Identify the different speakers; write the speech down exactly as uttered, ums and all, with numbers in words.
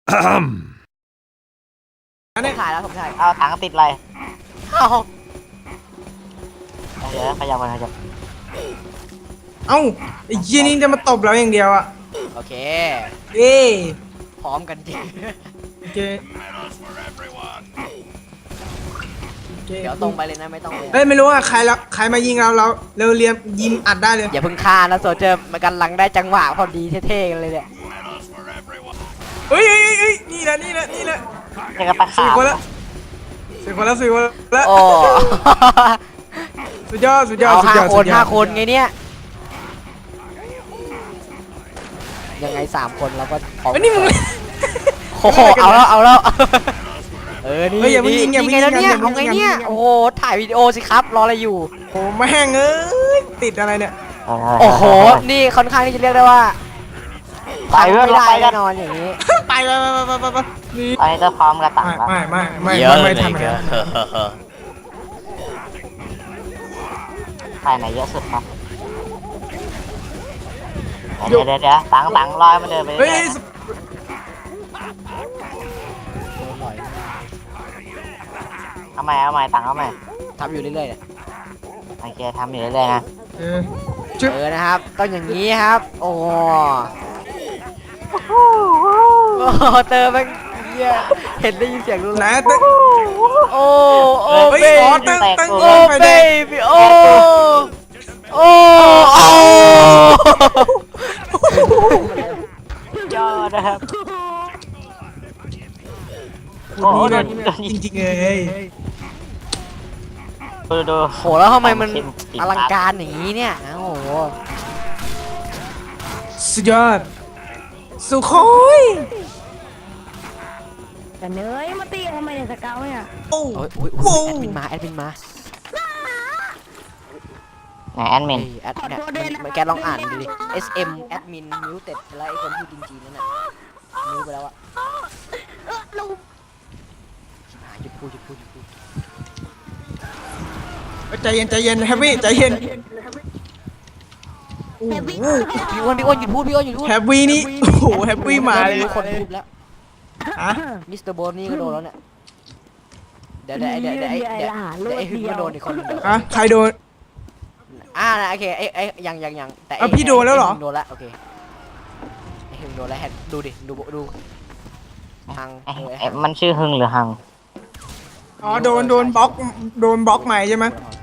Speaker 1: อันนี้ขายแล้วผมขาย
Speaker 2: เอาถังติดอะไร
Speaker 1: เอา
Speaker 2: เดี๋ยวขยับมาขยับ
Speaker 3: เอ้าไอ้ยี่นี่จะมาตบเราอย่างเดียวอ่ะ
Speaker 1: โอเค
Speaker 3: เอ้ย
Speaker 1: พร้อมกันจริง
Speaker 3: โอเคโอเค
Speaker 1: เดี๋ยวตรงไปเลยนะไม่ต้องเลย
Speaker 3: เฮ้ยไม่รู้ว่าใครละใครมายิงเราเราเร็วเรียมยิงอัดได้เลย
Speaker 1: อย่าเพิ่งฆ่านะโซเจอร์มันกำลังได้จังหวะพอดีเท่ๆกันเลยเนี่ย
Speaker 3: เฮ้ยเฮ้ยเฮ้ยนี่แหละนี่แหละนี่แหละ
Speaker 2: เดี๋ยวก็ปลา
Speaker 3: สี่
Speaker 2: ขาว
Speaker 3: คนละสี่คนละสี่คนละ
Speaker 1: โอ้
Speaker 3: สุดยอดสุดยอด
Speaker 1: เอา
Speaker 3: สุด
Speaker 1: ห้าย
Speaker 3: อด
Speaker 1: คน
Speaker 3: สุดยอด
Speaker 1: ห้าคนไงเนี่ยยังไงสามคนเราก็พร้อม
Speaker 3: เฮ้ยนี่มึง
Speaker 1: โอ้โหเอาแล้วเอาแล้วเออนี่
Speaker 3: เฮ้ยอย่าเพิ่งยิงอย่า
Speaker 1: นี่
Speaker 3: เพิ่ง
Speaker 1: ไงแล้วเนี่ย
Speaker 3: ยิงอย่าเพิ่
Speaker 1: เอา
Speaker 3: ง
Speaker 1: ไง
Speaker 3: ยิง
Speaker 1: เนี่ย
Speaker 3: อย่าเพิ่งยิง
Speaker 1: โอ้โหถ่ายวิดีโอสิครับรออะไรอยู่
Speaker 3: โอ้แม่งเอ้ยติดอะไรเนี่ย
Speaker 1: โอ้โหนี่ค่อนข้างที่จะเรียกได้ว่า
Speaker 2: ไปเพื่อน
Speaker 1: ไม่
Speaker 2: เรา
Speaker 1: ได้
Speaker 2: ไปกั
Speaker 1: แน่
Speaker 2: น
Speaker 1: นอนอย่างนี้
Speaker 3: ไปไปไปไปไปไปนี่
Speaker 2: ตอนนี้จะพร้อมกระตังแล้ว
Speaker 3: ไม่ไม่ไม่
Speaker 1: เยอะ
Speaker 3: ไม่
Speaker 1: เลย
Speaker 3: ทำอะไร
Speaker 2: ใครไหนเยอะสุดครับเดี๋ยวเดี๋ยวเดี๋ยวตังตังลอยมันเดินไป
Speaker 3: เฮ้ย
Speaker 2: เรื่อยๆนะเอาใหม่เอาใหม่ตังเอาใหม่
Speaker 1: ทำอยู่เรื่อยๆเนี่ย
Speaker 2: โอเคทำอยู่เรื่อยๆนะ
Speaker 3: เออจุ๊บ
Speaker 1: เออนะครับต้องอย่างนี้ครับ โอ้โหโอ้โหเติมไปเหี้ยเห็นได้ยินเสียงรู้
Speaker 3: ไหน
Speaker 1: แล้ว
Speaker 3: ตึ๊ก
Speaker 1: โอ้โอ้
Speaker 3: เฮ้ย
Speaker 1: เบ
Speaker 3: อ๋อ
Speaker 1: บี้
Speaker 3: ตึ๊กตึ๊ก
Speaker 1: โอ้เบบี้โอ้โอ้โอ้
Speaker 2: ยอดนะครับ
Speaker 3: โอ้โหจริงๆเลย
Speaker 2: ดูดู
Speaker 1: โหแล้วทำไมมันอลังการอย่างนี้เนี่ยโอ้โห
Speaker 3: สุดยอดสุโคย
Speaker 4: แต่เนยมาตีทำไมเนี่ยสเกลเนี่ย
Speaker 3: โอ้
Speaker 1: โอ้ยโอ้ยโอ้ยแอดมินมาแอดมินมา
Speaker 2: ไหนแอดมิน
Speaker 1: เอ้ยแอดเนี่ยมันมันแกลองอ่านดูดิ เอส เอ็ม แอดมินมิวเต็ดแล้วไอ้คนพูดจีนๆนั่นน่ะมิวไปแล้วอะ
Speaker 4: เออเรา
Speaker 1: หาหยุดพูดหยุดพูดหยุดพูด
Speaker 3: ใจเย็นใจเย็นแฮปปี้ใจเย็นโอ้โห
Speaker 1: พี่อ้วนพี่อ้วนหยุดพูดพี่อ้วนหยุดพูด
Speaker 3: แฮปปี้นี่โอ้โหแฮปปี้มาเลย
Speaker 1: มีคนพูดแล้ว
Speaker 3: ฮะ
Speaker 1: มิสเตอร์โบนนี่ก็โดนแล้วเนี่ยเดี๋ยวเดี๋ยวเดี๋ยวเดี๋ยวไอ้เดี๋ยวเดี๋ยวไอ้หึงก็โดนอีกคนหนึงเดี๋ยว
Speaker 3: ฮะใครโดน
Speaker 1: อ่านะโอเคไอ้ไอ้ยังยังยังแต่ไอ้
Speaker 3: อ่ะพี่โดนแล้วเหรอ
Speaker 1: ไอ้หึงโดนแล้วโอเคไอ้หึงโดนแล้วแฮนดูดิดูดูทาง
Speaker 2: เอ๊ะ
Speaker 1: เออไอ้
Speaker 2: เอ๊ะมันชื่อฮึงหรือฮัง
Speaker 3: อ๋อโดนโดนบล็อกโดนบล็อกใหม่ใช่ไหม
Speaker 1: ฮัง